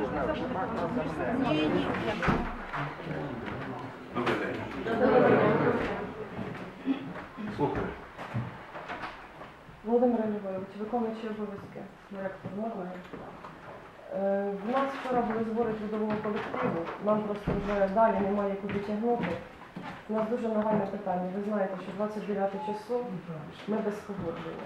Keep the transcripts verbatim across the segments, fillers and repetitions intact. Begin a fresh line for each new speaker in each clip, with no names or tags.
Ні, ні.
Добрий день. Слухаю.
Володимир Львович, виконуючий обов'язки директор можна? Е, В нас вчора були збори трудового колективу, нам просто вже далі немає куди тягнути. У нас дуже нагальне питання. Ви знаєте, що двадцять дев'яте число ми без погодження.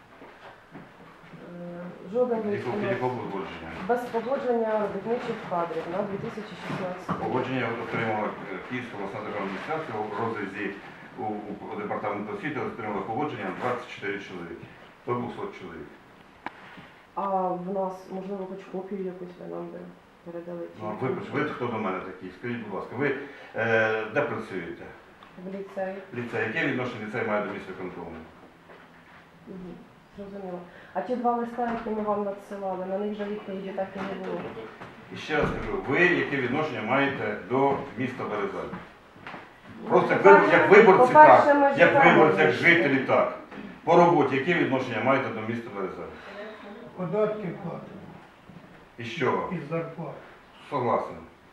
Е, Жоден
Якого якого погодження?
без погодження робітничих кадрів на дві тисячі шістнадцятий рік.
Погодження отримала Київська обласна державна адміністрація у розрізі у, у департаменту освіти отримала погодження двадцять чотири чоловіки. До двохсот чоловік.
А в нас, можливо, хоч копію якусь ви нам би передали?
Ну, ви, ви хто до мене такий? Скажіть, будь ласка, ви е, де працюєте?
В ліцеї.
Ліцей. Яке відношення ліцей має до міста контролю?
Угу. Зрозуміло. А ті два листа, які ми вам надсилали, на них же відповіді так і не було.
І ще раз кажу, ви яке відношення маєте до міста Березань? Просто як, ви, як виборці, так, як виборці, як жителі, так. По роботі, яке відношення маєте до міста Березань?
Податки платимо.
І з чого?
Із зарплат.
Согласен.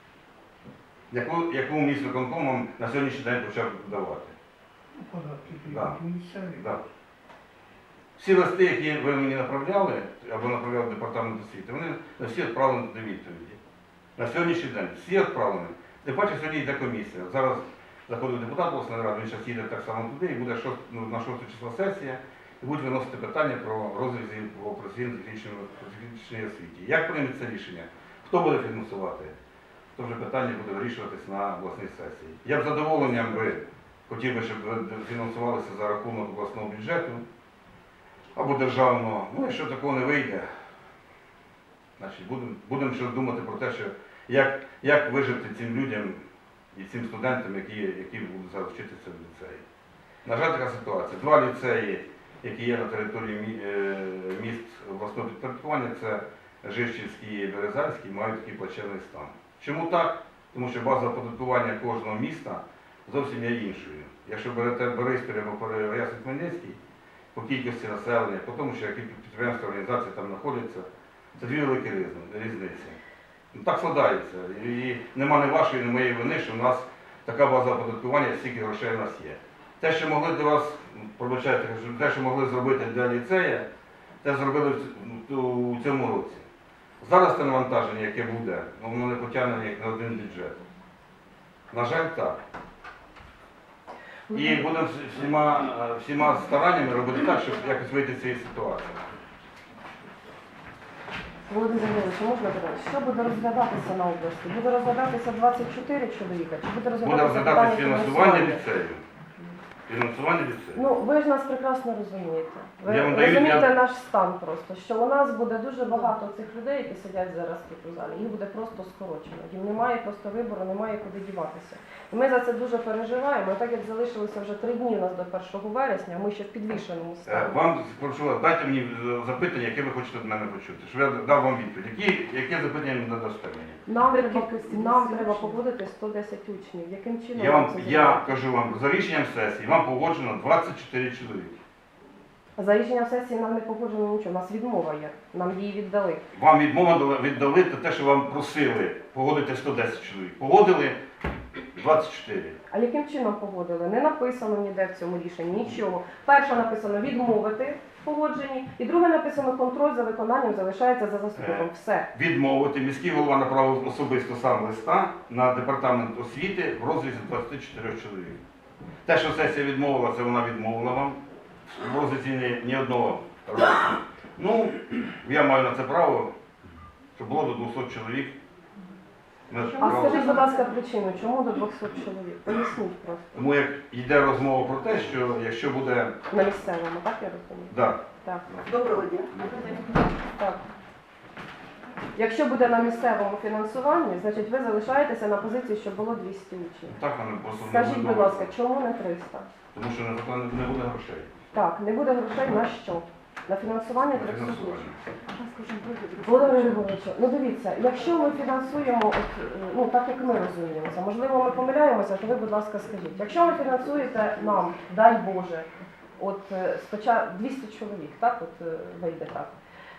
Яку, яку міськвиконком вам на сьогоднішній день почав давати?
Податки
Да.
тільки місцеві.
Да. Всі листи, які ви мені направляли, або направляв департамент освіти, вони на всі відправлені до відповіді. На сьогоднішній день всі відправлені. Ти бачиш, сьогодні йде комісія. Зараз заходить депутат обласної ради, він зараз їде так само туди, і буде шост, ну, на шостого числа сесія, і будуть виносити питання про розрізі по професійно-технічній освіті. Як прийметься рішення? Хто буде фінансувати? То вже питання буде вирішуватись на обласній сесії. Я б з задоволенням би хотів би, щоб ви фінансувалися за рахунок обласного бюджету або державного. Ну, якщо такого не вийде, значить будемо будем ще думати про те, що як, як вижити цим людям і цим студентам, які, які будуть зараз вчитися в ліцеї. На жаль, така ситуація. Два ліцеї, які є на території міст обласного підпорядкування, це Жишківський і Березанський, мають такий плачевний стан. Чому так? Тому що база оподаткування кожного міста зовсім є іншою. Якщо берете Бориспіль або Переяслав-Хмельницький, по кількості населення, по тому, що які підприємства, організації там знаходяться, це дві великі різниці. Ну, так складається. І нема ні вашої, ні моєї вини, що у нас така база оподаткування, стільки грошей у нас є. Те, що могли для вас, пробачайте, те, що могли зробити для ліцея, те зробили у цьому році. Зараз це навантаження, яке буде, воно не потягне як на один бюджет. На жаль, так. І будемо всіма, всіма стараннями робити так, щоб якось вийти з цієї ситуації.
Володимир Львович, можна питати, що буде розглядатися на області? Буде розглядатися двадцять чотири чоловіка? Чи буде
Буде
розглядатися
розглядатися
питання
фінансування ліцею. Фінансування ліцею.
Ну, ви ж нас прекрасно розумієте. Ви
Я вам даю-
розумієте
я-
наш стан просто, що у нас буде дуже багато цих людей, які сидять зараз тут у залі. Їх буде просто скорочено. Їм немає просто вибору, немає куди діватися. І ми за це дуже переживаємо. І так як залишилося вже три дні у нас до першого вересня, ми ще в підвішеному
Е,
стані.
Вам прошу вас, дайте мені е, запитання, яке ви хочете від мене почути, щоб я дав вам відповідь. Які, яке запитання ви надасте мені?
Нам треба, нам треба погодити сто десять учнів. Яким чином
Я, вам,
це
я
зробити?
кажу вам, за рішенням сесії вам погоджено двадцять чотири чоловіки.
За рішенням сесії нам не погоджено нічого. У нас відмова є. Нам її віддали.
Вам відмова дала- віддали те, що вам просили погодити сто десять чоловік. Погодили двадцять чотири.
А яким чином погодили? Не написано ніде в цьому рішенні нічого. Перше написано відмовити в погодженні, і друге написано контроль за виконанням залишається за заступником. Все.
Відмовити. Міський голова направив особисто сам листа на департамент освіти в розрізі двадцяти чотирьох чоловік. Те, що сесія відмовила, це вона відмовила вам. В розрізі ні, ні одного року. Ну, я маю на це право, щоб було до двохсот чоловік. Ми ж
А
право-
скажіть, будь ласка, причину, чому до двохсот чоловік? Поясніть просто.
Тому як йде розмова про те, що якщо буде...
На місцевому, так я розумію?
Да.
Так.
Доброго дня.
Так. Якщо буде на місцевому фінансуванні, значить ви залишаєтеся на позиції, що було двісті учнів.
Так вони просто не
Скажіть,
будуть
будь
домовитися.
ласка, чому не триста?
Тому що на заклад не буде грошей.
Так, не буде грошей на що? На фінансування
На
трьохсот
фінансування.
учнів. Володимир Григорович, ну дивіться, якщо ми фінансуємо, от, ну так як ми розуміємося, можливо ми помиляємося, то ви, будь ласка, скажіть. Якщо ви фінансуєте нам, дай Боже, от спочатку двісті чоловік, так, от вийде так.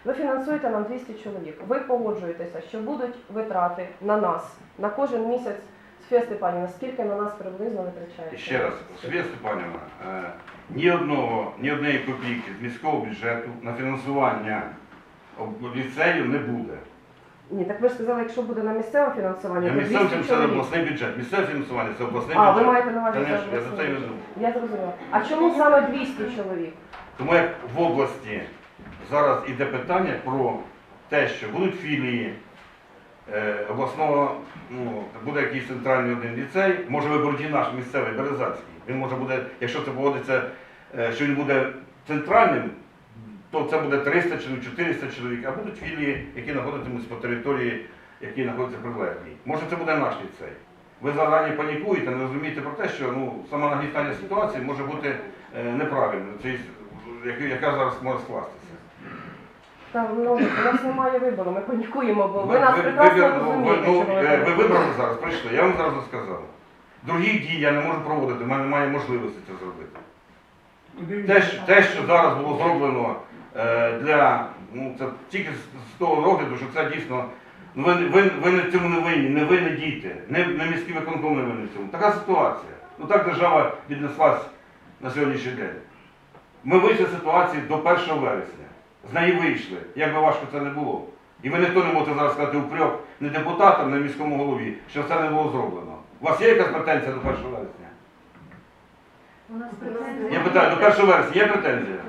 Ви фінансуєте нам двісті чоловік. Ви погоджуєтеся, що будуть витрати на нас на кожен місяць. Софія Степанівна, скільки на нас приблизно витрачається?
І ще раз, Софія Степанівна, е, ні одного, ні однієї копійки з міського бюджету на фінансування об- ліцею не буде.
Ні, так ви ж сказали, якщо буде на місцеве фінансування,
Я
то
місцеве
двісті
це
чоловік.
обласний бюджет. Місцеве фінансування це обласний
А,
бюджет.
ви маєте на увазі
Конечно,
це
я за це і
обласний.
веду.
Я зрозуміла. А чому саме двісті чоловік?
Тому як в області зараз іде питання про те, що будуть філії е, обласного, ну, буде якийсь центральний один ліцей, може виберуть і наш місцевий Березанський. Він може буде, якщо це погодиться, е, що він буде центральним, то це буде триста чоловік, чотириста чоловік, а будуть філії, які знаходитимуться по території, які знаходяться прилеглі. Може це буде наш ліцей. Ви зарані панікуєте, не розумієте про те, що ну, сама нагнітання ситуації може бути е, неправильною, це, яка- яка зараз може скластися.
Там, ну, у нас немає вибору, ми панікуємо, бо ви
Ви-
нас
ви-
прекрасно
вибір- ну,
розумієте,
ви-
що
ну,
ви
е, ви
панікуєте.
вибрали зараз, прийшли, я вам зразу сказав. Других дій я не можу проводити, в мене немає можливості це зробити. Те, що, те, що зараз було зроблено е, для, ну це тільки з, з того розгляду, що це дійсно, ну ви, ви, ви не в цьому не винні, не ви не діти, не, не міський виконком не винні в цьому. Така ситуація. Ну так держава віднеслась на сьогоднішній день. Ми вийшли з ситуації до першого вересня. З неї вийшли, як би важко це не було. І ви ніхто не можете зараз сказати упрек не депутатам, не міському голові, що це не було зроблено. У вас є якась претензія до першого вересня?
У нас
Я питаю, до першого вересня є претензія?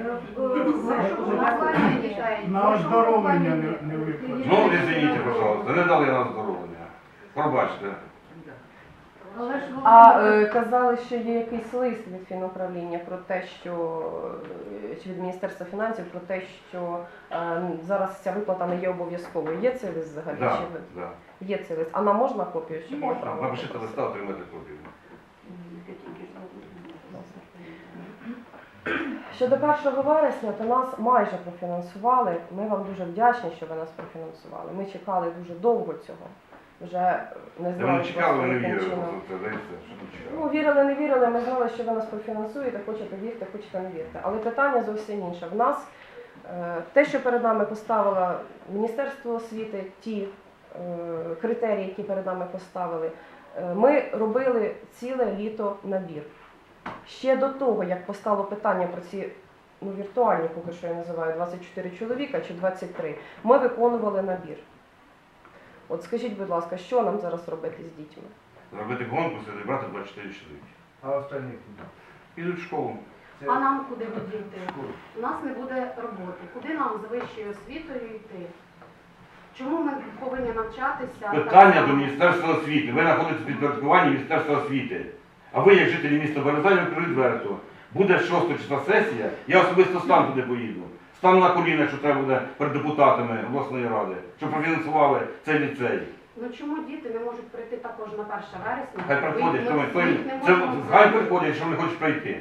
На оздоровлення не, не викладено.
Ну, извините, пожалуйста, не дали на оздоровлення. Пробачте.
А е, казали, що є якийсь лист від фінуправління про те, що е, чи від Міністерства фінансів про те, що е, зараз ця виплата не є обов'язковою. Є цей лист взагалі?
Да,
Чи ви-
да.
Є цей лист. А нам можна копію? Щоб
Можна,
отримати?
напишіть листа, отримати копію.
Щодо першого вересня, то нас майже профінансували. Ми вам дуже вдячні, що ви нас профінансували. Ми чекали дуже довго цього. Вже не
Ви
знали,
не чекали, ви не
яким
вірили,
чином.
просто це здається, що не чекали.
Ну, вірили, не вірили, ми знали, що ви нас профінансуєте, хочете вірте, хочете не вірте. Але питання зовсім інше. В нас е, те, що перед нами поставило Міністерство освіти, ті е, критерії, які перед нами поставили, е, ми робили ціле літо набір. Ще до того, як постало питання про ці ну, віртуальні, поки що я називаю, двадцять чотири чоловіка чи двадцять три, ми виконували набір. От скажіть, будь ласка, що нам зараз робити з дітьми?
Зробити конкурс і зібрати двадцять чотири чоловіки.
А остальні куди?
Підуть в школу.
Це
А нам куди будуть йти?
школа.
У нас не буде роботи. Куди нам з вищою освітою йти? Чому ми повинні навчатися?
Питання
так
до
само?
Міністерства освіти. Ви знаходитесь в підпорядкуванні Міністерства освіти. А ви, як жителі міста Березань, відверто. Буде шостого числа сесія, я особисто сам туди поїду. Стану на коліна, якщо треба буде перед депутатами обласної ради, щоб профінансували цей ліцей.
Ну чому діти не можуть прийти також на перше вересня?
Хай приходять,
Ви-
хто-
ми
хто
їх
їм-
не
це
можемо
хай
взяти.
приходять, якщо вони хочуть прийти.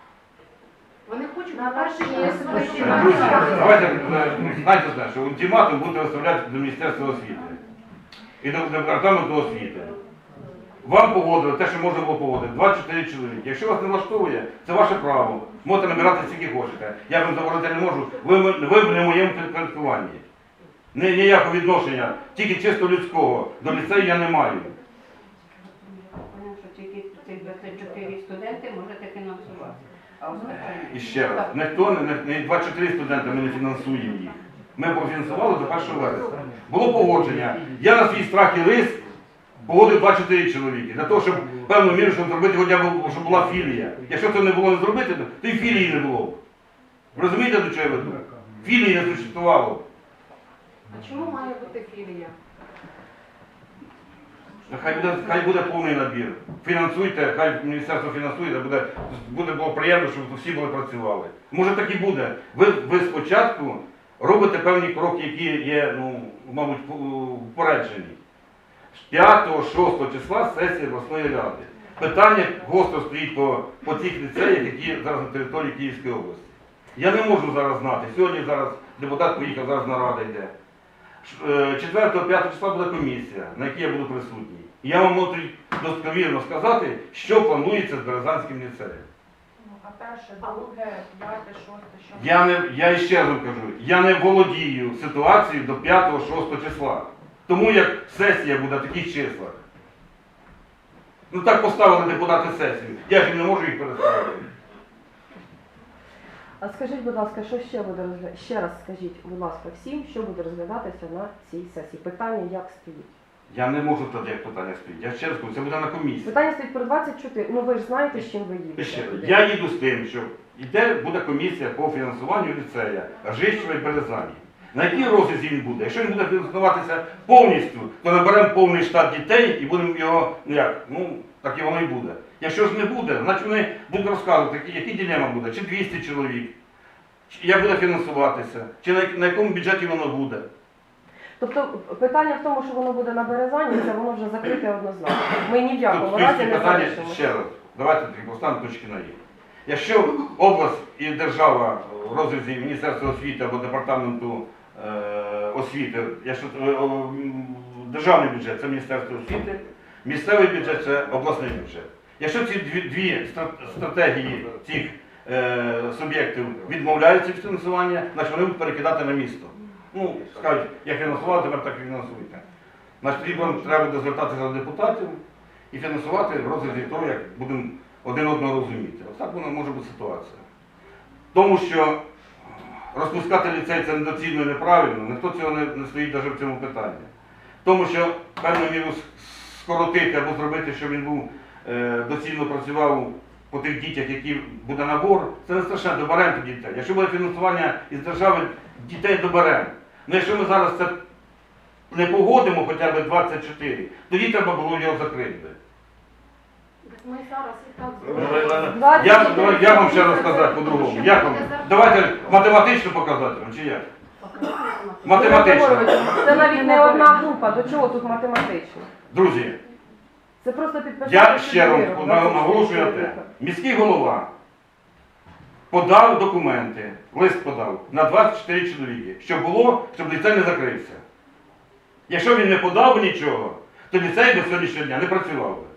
Вони хочуть
На
на перше
перше
вересня.
вересня.
Друзі, давайте е, ну, знайте те, що ультиматум будете виставляти до Міністерства освіти і до департаменту освіти. Вам погодили те, що можна було погодити, двадцять чотири чоловіки. Якщо вас не влаштовує, це ваше право. Можете набирати скільки хочете. Я вам заборонити не можу. Ви, м- ви не в моєму підпорядкуванні. Ні- Ніякого відношення, тільки чисто людського. До ліцею я не маю.
Тому що тільки ці двадцять чотири студенти можете фінансувати. А остальні
І ще раз, ніхто не, не, не двадцять чотири студенти ми не фінансуємо їх. Ми профінансували до першого вересня. Було погодження. Я на свій страх і риск погодив двадцять чотири чоловіки. Для того, щоб певну міру, щоб зробити хоча б, щоб була філія. Якщо це не було не зробити, то і філії не було. Ви розумієте, до чого я веду? Філії не существувало.
А чому має бути філія?
Хай буде, хай буде повний набір. Фінансуйте, хай міністерство фінансує, буде, буде було приємно, щоб всі були працювали. Може так і буде. Ви, ви спочатку робите певні кроки, які є, ну, мабуть, попереджені. п'ятого-шостого числа сесія обласної ради. Питання гостро стоїть по, по тих ліцеях, які зараз на території Київської області. Я не можу зараз знати. Сьогодні зараз депутат поїхав, зараз нарада йде. четвертого-п'ятого числа буде комісія, на якій я буду присутній. І я вам можу достовірно сказати, що планується з Березанським ліцеєм.
А
А перше, друге, п'яте, шосте, що?
Я не я ще раз вам кажу, я не володію ситуацією до п'ятого-шостого числа. Тому як сесія буде в таких числах. Ну так поставили депутати сесію. Я ж не можу їх переставити.
А скажіть, будь ласка, що ще буде розглядатися? Ще раз скажіть, будь ласка, всім, що буде розглядатися на цій сесії. Питання як стоїть?
Я не можу тоді як питання стоїть. Я ще раз кажу, це буде на комісії.
Питання стоїть про двадцять чотири. Ну ви ж знаєте, з чим ви їдете.
Ще,
туди.
я їду з тим, що йде буде комісія по фінансуванню ліцея Ржищева і Березані. На якій розрізі він буде? Якщо він буде фінансуватися повністю, то наберемо повний штат дітей і будемо його, ну як, ну так і воно і буде. Якщо ж не буде, значить вони будуть розказувати, які, які дилема буде, чи двісті чоловік, чи як буде фінансуватися, чи на, на якому бюджеті воно буде.
Тобто питання в тому, що воно буде на Березані, це воно вже закрите однозначно. Ми ні в
Тут
якому
в
разі
списку
не
питання
залишимо.
ще раз. Давайте таки поставимо точки на «і». Якщо область і держава в розрізі Міністерства освіти або департаменту е, освіти, якщо е, о, м, державний бюджет це Міністерство освіти, місцевий бюджет це обласний бюджет. Якщо ці дві, дві стра- стратегії цих е, суб'єктів відмовляються від фінансування, значить вони будуть перекидати на місто. Ну, скажуть, як фінансували, тепер так і фінансуйте. Значить, тоді вам треба буде звертатися до депутатів і фінансувати в розрізі того, як будемо один одного розуміти. Ось так вона може бути ситуація. Тому що розпускати ліцей це недоцільно і неправильно, ніхто цього не, не стоїть навіть в цьому питанні. Тому що певну міру скоротити або зробити, щоб він був е, доцільно працював по тих дітях, які буде набор, це не страшно, доберемо тоді дітей. Якщо буде фінансування із держави, дітей доберемо. Ну якщо ми зараз це не погодимо хоча б двадцять чотири, тоді треба було його закрити.
Ми зараз і так
Ну,
зробимо.
Я, давай, я вам ще розказати по-другому. Як вам? Давайте математично показати вам, чи як? Математично.
Це навіть не одна група. До чого тут математично?
Друзі,
Це просто підписати.
я ще раз
довіру.
наголошую на те. Міський голова подав документи, лист подав на двадцять чотири чоловіки, щоб було, щоб ліцей не закрився. Якщо він не подав нічого, то ліцей до сьогоднішнього дня не працював би.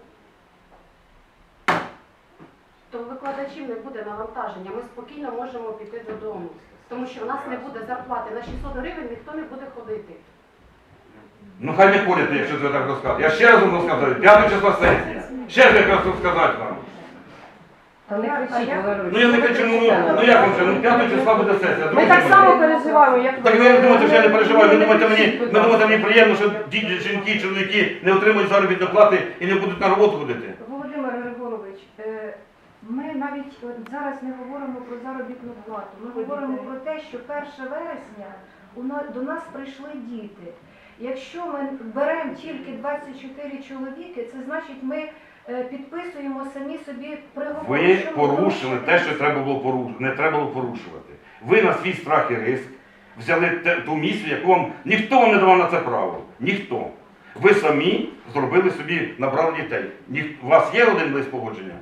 То викладачів не буде навантаження, ми спокійно можемо піти додому. Тому що в нас не буде зарплати. На шістсот гривень ніхто не буде ходити.
Ну хай не ходять, якщо це так розказати. Я ще раз вам розказую, п'ятого числа сесія. Ще ж якраз розказати вам.
Та не кричіть, Валерій.
Ну я не кричу, ну, ну як вам це, ну п'ятого числа буде сесія.
Ми
друзі
так
мої.
само переживаємо, як
Так ви думаєте, що я не переживаю, ви думаєте, мені, ви думаєте, мені приємно, що діти, жінки, чоловіки не отримують заробітну плати і не будуть на роботу ходити?
Володимир Григорович, е, ми навіть от зараз не говоримо про заробітну плату. Ми говоримо про те, що першого вересня у на- до нас прийшли діти. Якщо ми беремо тільки двадцять чотири чоловіки, це значить ми е, підписуємо самі собі приговор.
Ви
що ми
порушили те, що
порушуємо.
треба було порушувати, не треба було порушувати. Ви на свій страх і риск взяли те- ту місію, яку вам ніхто вам не давав на це право. Ніхто. Ви самі зробили собі, набрали дітей. Ніх... У вас є один лист погодження?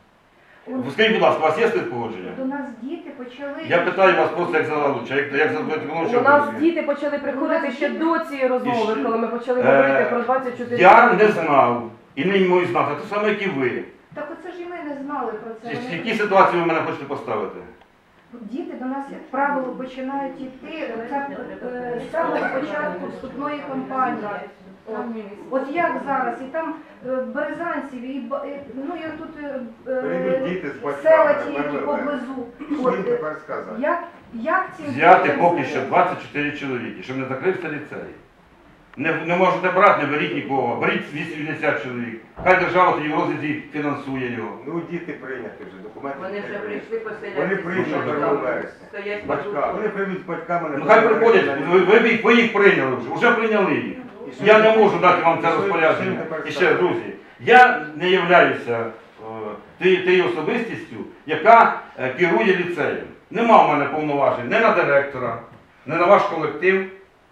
От
Скажіть, будь ласка, у вас є лист погодження?
До нас діти почали...
Я питаю вас просто як залуча, як, як за
у нас діти почали приходити ще до цієї розмови,
І
коли ми почали
Е,
говорити про двадцять чотири.
Я не знав і не можу знати, те саме, як і ви.
Так оце ж і ми не знали про це.
В
Вони
які ситуації ви мене хочете поставити?
Діти до нас, як правило, починають йти оце, е, з самого початку вступної кампанії. От, от як зараз, і там е, березанців, і, ба- і, ну і тут е,
Приведіть діти з
е,
батьками,
села ті, які
Верлеве.
поблизу.
Що
От,
їм
е,
тепер сказати?
як, як ці
Взяти
дітям
поки
сказати?
що двадцять чотири чоловіки, щоб не закрився ліцей. Не, не можете брати, не беріть нікого, беріть вісімдесят чоловік. Хай держава тоді в розрізі фінансує його.
Ну діти прийняті вже, документи.
Вони вже прийшли поселятися.
Вони прийшли першого вересня.
Стоять
З батька. Вони прийдуть з батьками на
Ну хай приходять, ви, ви, їх- ви їх прийняли вже, вже прийняли їх. Я не можу дати вам це розпорядження. І ще, друзі, я не являюся е, тією тією особистістю, яка е, керує ліцеєм. Нема в мене повноважень не на директора, не на ваш колектив.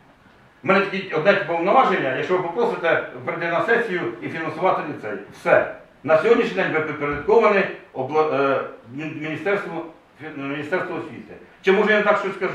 У мене тільки одне повноваження, якщо ви попросите прийти на сесію і фінансувати ліцей. Все. На сьогоднішній день ви підпорядковані обла- е, Міністерству, Міністерству освіти. Чи може я не так щось скажу?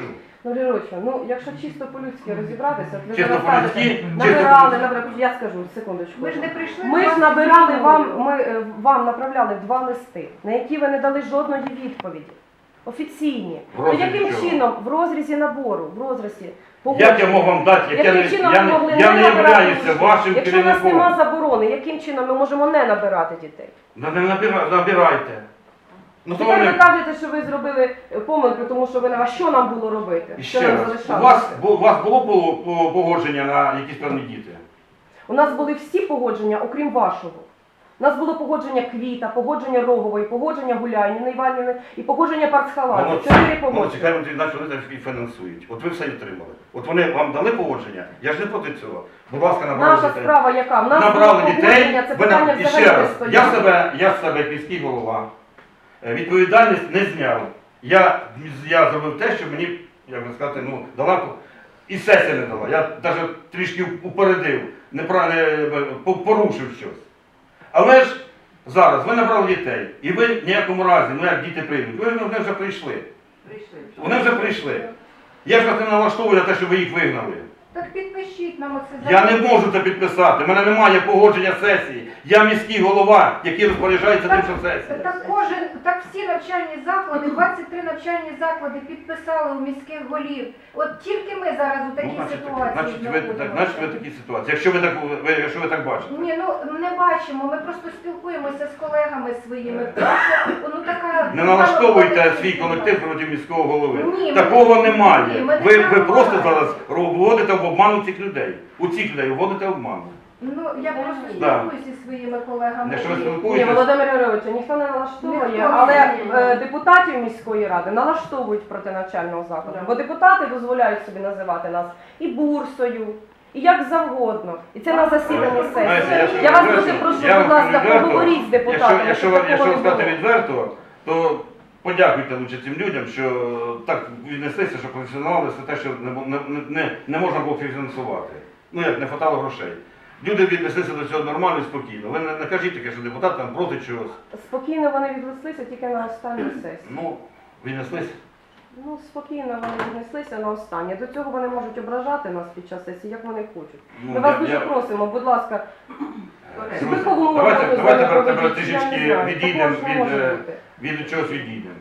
Ну, Лірочка, ну якщо чисто по-людськи розібратися, от ви
Чисто
зараз кажете,
по-людськи, чисто
набирали,
по-людськи.
набирали, я скажу, секундочку.
Ми ж не прийшли.
Ми
до
ж
вас
набирали
з
вам,
зміною.
ми е, вам направляли два листи, на які ви не дали жодної відповіді. Офіційні.
В
То
розрізі
яким
чого?
чином в розрізі набору, в розрізі
Як я мог вам дати, як я
яким
не,
чином
я
ми
не,
могли
я
не
не
набирати
являюся
учнів?
вашим
Якщо у нас
керівником.
нема заборони, яким чином ми можемо не набирати дітей?
Да не набира- набирайте. Ну, то
Тепер ви
вони...
кажете, що ви зробили е, помилку, тому що ви не... А що нам було робити?
І
Що
ще
нам
раз, у
залишалося?
вас, бу- у вас було по- по- погодження на якісь певні діти?
У нас були всі погодження, окрім вашого. У нас було погодження Квіта, погодження Рогової, погодження Гуляйніни Іванівни і погодження Парцхаладзе.
Молодці,
Чотири
молодці,
погодження.
хай вони наче вони так і фінансують. От ви все отримали. От вони вам дали погодження, я ж не проти цього. Будь ласка, набрали
Наша
дітей.
справа яка? В нас
Набрали
було
дітей,
погодження, це
ви нам-
питання
і ще
взагалі не
раз,
стояло.
я себе, я з себе міський голова, е, відповідальність не зняв. Я, я зробив те, що мені, як би сказати, ну, дала, і сесія не дала. Я навіть трішки упередив, неправильно по- порушив щось. Але ж зараз ви набрали дітей, і ви в ніякому разі, ну як діти прийдуть, ви ж вони вже прийшли.
Прийшли.
Вони вже прийшли. Я ж вас не налаштовую на те, щоб ви їх вигнали.
Так підпишіть нам оце.
Я не можу це підписати. У мене немає погодження сесії. Я міський голова, який розпоряджається тим, що сесія.
Так кожен, так всі навчальні заклади, двадцять три навчальні заклади підписали у міських голів. От тільки ми зараз у такій
Ну, значить,
ситуації
значить, ви, так, значить, ви такі ситуації. Якщо ви так, ви, якщо ви так бачите.
Ні, ну не бачимо, ми просто спілкуємося з колегами своїми. Тому що, ну, така,
Не налаштовуйте свій колектив проти міського голови.
Ні, ми-
Такого немає.
Ні, ми не
Ви, ви
так
просто
говоримо.
зараз вводите в обману цих людей. У цих людей вводите в обману.
Ну я просто
Да.
спілкуюся зі своїми колегами.
Якщо ви
І-
Ні,
спілкуєтесь,
Володимир Григорович, ніхто не налаштовує,
Ніхто не
але
налаштовує.
е, депутатів міської ради налаштовують проти навчального закладу. Бо депутати дозволяють собі називати нас і бурсою, і як завгодно. І це на засіданні
знаєте,
сесії.
я
Я
ж
вас
відверто-
дуже прошу,
я
будь
вам
ласка,
відверто,
поговоріть з депутатами,
Якщо, якщо,
щоб
ви-
такого
якщо
не
сказати
було.
відверто, то подякуйте лучше цим людям, що так віднеслися, що професіонали все те, що не, не, не, не можна було фінансувати. Ну як, не хватало грошей. Люди віднеслися до цього нормально і спокійно. Ви не, не кажіть таке, що депутат там проти чогось.
Спокійно вони віднеслися тільки на останню сесію.
Ну, віднеслися.
Ну, спокійно вони віднеслися на останнє. До цього вони можуть ображати нас під час сесії, як вони хочуть.
Ну,
Ми вас
я-
дуже
я-
просимо, будь ласка,
Друзі,
виховну
давайте,
роботу
давайте
з ними
тепер
проведіть, я не
трішечки
знаю,
відійдемо
такого ж не
від,
може
е,
бути.
від чогось відійдемо.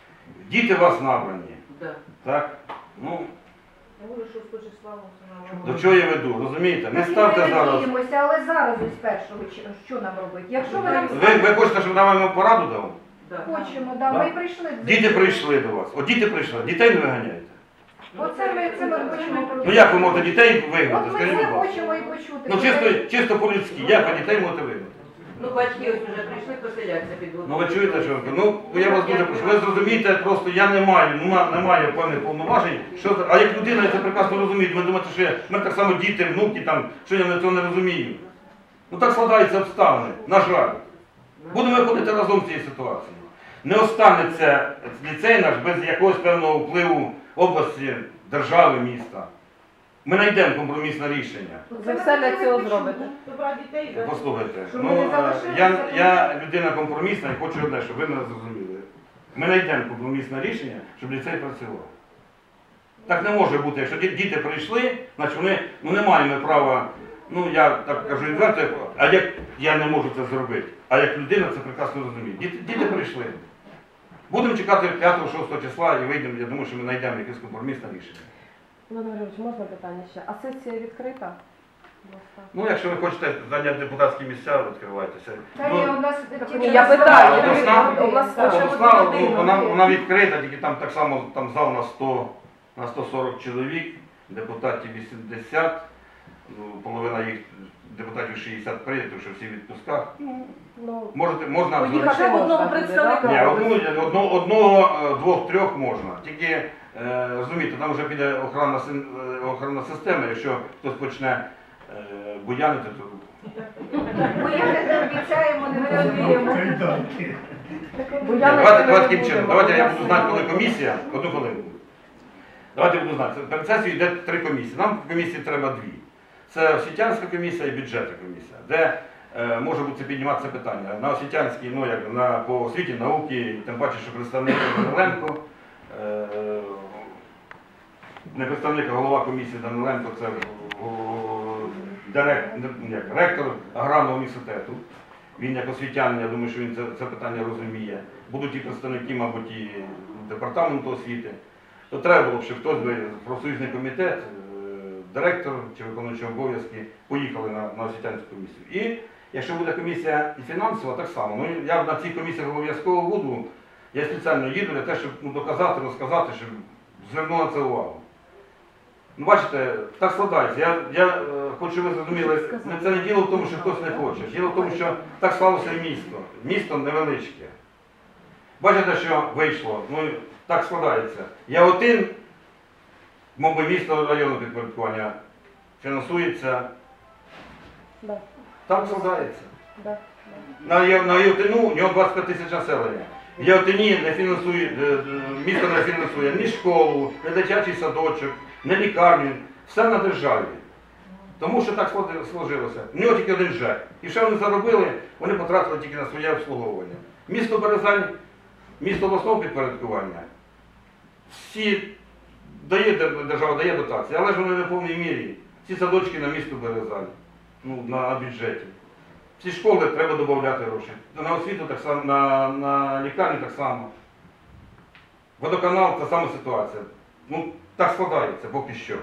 Діти вас набрані,
Да.
так? Ну, до чого я веду, розумієте? Не ставте
Ми
зараз.
надіємося, але зараз ось першого чи- що нам робити? Якщо ви нам
Ви, ви хочете, щоб я вам пораду дав?
хочемо, да,
Да.
ми прийшли. до
Діти
цього.
прийшли до вас. От діти прийшли, дітей не виганяєте.
Оце ми, це ми хочемо.
Ну як ви можете дітей вигнати?
От ми
Скажіть,
це
будь ласка.
хочемо і почути.
Ну чисто, чисто по-людськи, як ви дітей можете вигнати?
Ну, батьки ось вже прийшли поселятися під
Ну ви чуєте, що ви- ну я вас дуже прошу. Ви зрозумієте, просто я не маю, нема- немає певних повноважень. Що за- а як людина, я це прекрасно розумію. Ви думаєте, що я, в мене так само діти, внуки там, що я цього не розумію. Ну так складаються обставини, на жаль. Будемо виходити разом з цієї ситуації. Не останеться ліцей наш без якогось певного впливу області, держави, міста. Ми знайдемо компромісне рішення.
Ви все для цього зробите.
Послухайте,
Щоб
ну,
ми не
е,
залишилися
я,
тому
я людина компромісна і хочу одне, щоб ви мене зрозуміли. Ми знайдемо компромісне рішення, щоб ліцей працював. Так не може бути, якщо ді- діти прийшли, значить вони, ну не маємо права, ну я так кажу відверто, а як я не можу це зробити, а як людина це прекрасно розуміє. Діти, діти прийшли. Будемо чекати п'ятого-шостого числа і вийдемо, я думаю, що ми знайдемо якесь компромісне рішення.
Володимир Григорович, можна питання ще? А сесія відкрита? Будь ласка.
Ну, якщо ви хочете зайняти депутатські місця, відкривайтеся.
Та
Ну,
ні, у нас
Ні,
тільки
я
нас
питаю,
двадцять
обласна-
людей.
обласна-
Так.
Обласна, ну, вона, вона відкрита, тільки там так само там зал на сто, на сто сорок чоловік, депутатів вісімдесят, ну, половина їх депутатів шістдесят прийнято, що всі в відпусках.
Ну,
Можете, можна
поїхати
зробити-
можна
одного
буде,
представника.
да?
Ні, одну, одну, одного, е, двох, трьох можна. Тільки, е, розумієте, там вже піде охоронна, син- е, охоронна система, якщо хтось почне е, буянити, то
Ми я не обіцяємо, не розуміємо.
Кайданки.
Бо я не
Давайте, давайте
не
таким
буду,
чином.
бо
Давайте я
я
буду знати, коли комісія. Одну хвилинку. Давайте я буду знати. Перед сесією йде три комісії. Нам в комісії треба дві. Це освітянська комісія і бюджетна комісія, де е, може бути підніматися питання. На освітянській, ну як на по освіті, науки, тим паче, що представник Даниленко. Е, не представник, а голова комісії Даниленко, це о, директ, не, як, ректор аграрного університету. Він як освітянин, я думаю, що він це, це питання розуміє. Будуть і представники, мабуть, і департаменту освіти. То треба було б, щоб хтось би профсоюзний комітет, е, директор чи виконуючий обов'язки поїхали на, на освітянську комісію. І якщо буде комісія і фінансова, так само. Ну, я на цій комісії обов'язково буду. Я спеціально їду для того, щоб ну, доказати, розказати, щоб звернули на це увагу. Ну, бачите, так складається. Я, я е, хочу, щоб ви зрозуміли, не- це не діло в тому, що хтось не хоче. Діло в тому, що так склалося і місто. Місто невеличке. Бачите, що вийшло? Ну, так складається. Я один, мов би, місто районного підпорядкування фінансується.
Да,
Так складається.
да.
На, Є- на Євтину у нього двадцять п'ять тисяч населення. В Євтині не фінансує, е, е, місто не фінансує ні школу, ні дитячий садочок, ні лікарню. Все на державі. Тому що так сложи- сложилося. У нього тільки один ЖЕК. І що вони заробили, вони потратили тільки на своє обслуговування. Місто Березань, місто обласного підпорядкування, всі дає, дер- держава дає дотації, але ж вони не в повній мірі. Ці садочки на місто Березань, ну, на бюджеті. Всі школи треба додати гроші. На освіту так само, на, на лікарню так само. Водоканал та сама ситуація. Ну, так складається поки що.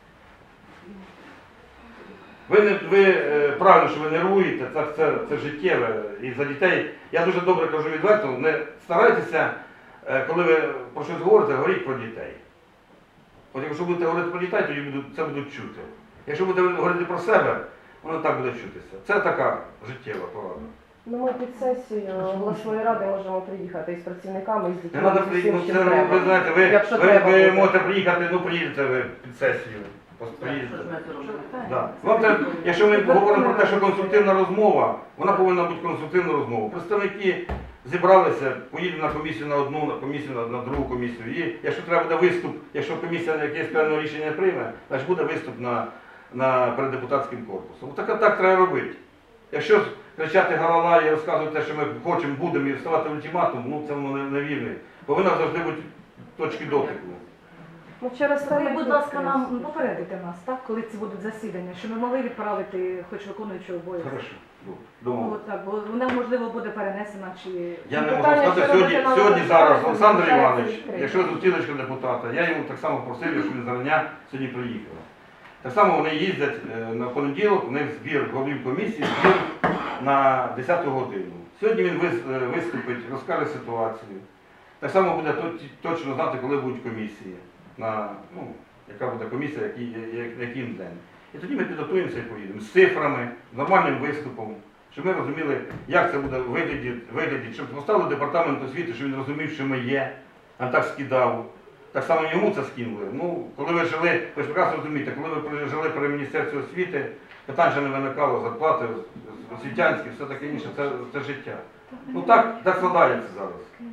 Ви, не, ви е, правильно, що ви нервуєте, це, це, це життєве. І за дітей, я дуже добре кажу відверто, не старайтеся, е, коли ви про щось говорите, говоріть про дітей. От якщо будете говорити про дітей, тоді будуть, це будуть чути. Якщо будете говорити про себе, воно так буде чутися. Це така життєва порада.
Ну, ми під сесію обласної ради можемо приїхати із працівниками, і з
Не
дітьми,
треба
з
приїхати,
усім,
ну,
чим
це,
треба.
ви знаєте, ви,
Якщо
ви,
треба
ви
буде.
можете приїхати, ну приїдете ви під сесію. Ось приїдете.
Що ж ми це робимо?
Да. Вам треба, якщо ми говоримо про те, що конструктивна розмова, вона повинна бути конструктивна розмова. Представники зібралися, поїдемо на комісію на одну, на комісію на, на другу комісію. І якщо треба буде виступ, якщо комісія якесь певне рішення прийме, значить буде виступ на, на перед депутатським корпусом. Так, так треба робити. Якщо кричати галала і розказувати те, що ми хочемо, будемо і вставати ультиматум, ну це воно не- невірне. Повинна завжди бути точки дотику.
Ну, через те
Ви,
ми
будь
тут
ласка, нам
працюємо.
попередите нас, так, коли це будуть засідання, що ми могли відправити хоч виконуючого обов'язки.
Хорошо.
Ну,
Думаю.
от так, бо вона, можливо, буде перенесена чи...
Я не можу
Питання,
сказати,
що
сьогодні,
робити на
сьогодні
веб-сайті,
зараз Олександр
залишається
Іванович,
відкритим.
якщо зустрілочка депутата, я йому так само просив, щоб він зарання сьогодні приїхав. Так само вони їздять е, на понеділок, у них збір голів комісії, збір на десяту годину. Сьогодні він вис- е, виступить, розкаже ситуацію. Так само буде точ- точно знати, коли будуть комісії, на, ну, яка буде комісія, який, я- який день. І тоді ми підготуємося і поїдемо з цифрами, з нормальним виступом, щоб ми розуміли, як це буде вигляді, вигляді, щоб поставили департамент освіти, щоб він розумів, що ми є, а не так скидав. Так само йому це скинули. Ну, коли ви жили, ви ж прекрасно розумієте, коли ви жили при Міністерстві освіти, питань ще не виникало, зарплати, освітянські, все таке інше, це, це життя. Ну так, так складається зараз.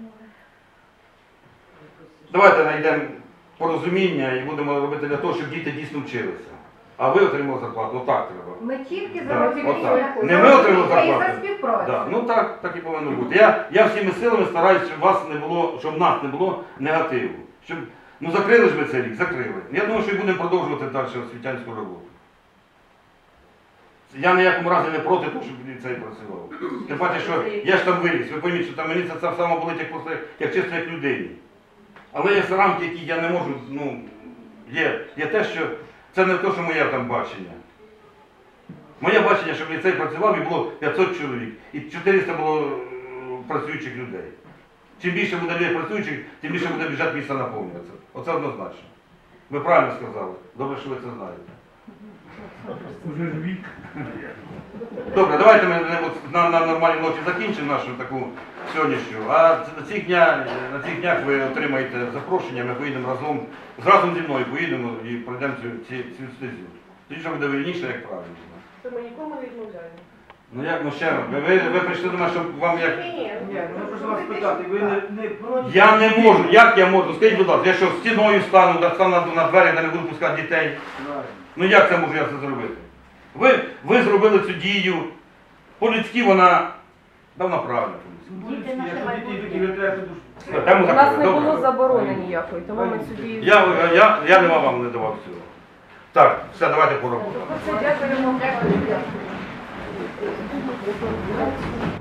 Давайте знайдемо порозуміння і будемо робити для того, щоб діти дійсно вчилися. А ви отримали зарплату, отак треба.
Ми тільки за
Так,
розуміння,
отак.
за
Не ми отримали
розуміння і за
зарплату.
співпрацю.
Да. Ну так, так і повинно бути. Я, я всіми силами стараюся, щоб вас не було, щоб в нас не було негативу. Щоб, ну закрили ж ви цей рік, закрили. Я думаю, що і будемо продовжувати далі освітянську роботу. Я в ніякому разі не проти того, щоб ліцей працював. Тим паче, що я ж там виріс, ви пойміть, що там мені це так само болить, як, просто, як чисто як людині. Але є рамки, які я не можу, ну, є, є те, що це не те, що моє там бачення. Моє бачення, щоб ліцей працював і було п'ятсот чоловік, і чотириста було е, працюючих людей. Чим більше буде людей працюючих, тим більше буде бюджет міста наповнюватися. Оце однозначно. Ви правильно сказали. Добре, що ви це знаєте.
Уже ж вік.
Добре, давайте ми е, от на, на нормальній ноті закінчимо нашу таку сьогоднішню. А ц- на цих днях, на цих днях ви отримаєте запрошення, ми поїдемо разом, разом зі мною поїдемо і пройдемо цю, цю, цю стезю. Тоді вже буде вірніше, як правильно.
Це ми нікому не відмовляємо.
Ну як, ну ще раз, ви, ви, ви прийшли до мене, щоб вам як...
Ні,
Ні, ну просто вас питати, ви не, не проти?
Я не можу, як я можу? Скажіть, будь ласка, я що, стіною стану, да, стану на, на двері, де не буду пускати дітей? Ну як це можу я це зробити? Ви, ви зробили цю дію, по-людськи вона, да, вона правильна. по-людськи.
Діти наше
Якщо дітей
майбутнє.
такі ви треба, то
Все, там
У нас
закрили.
не
Добре.
було заборони ніякої, тому ми цю дію.
Я, я, я не вам не давав цього. Так, все, давайте по роботу.
Дякуємо.
Дякую.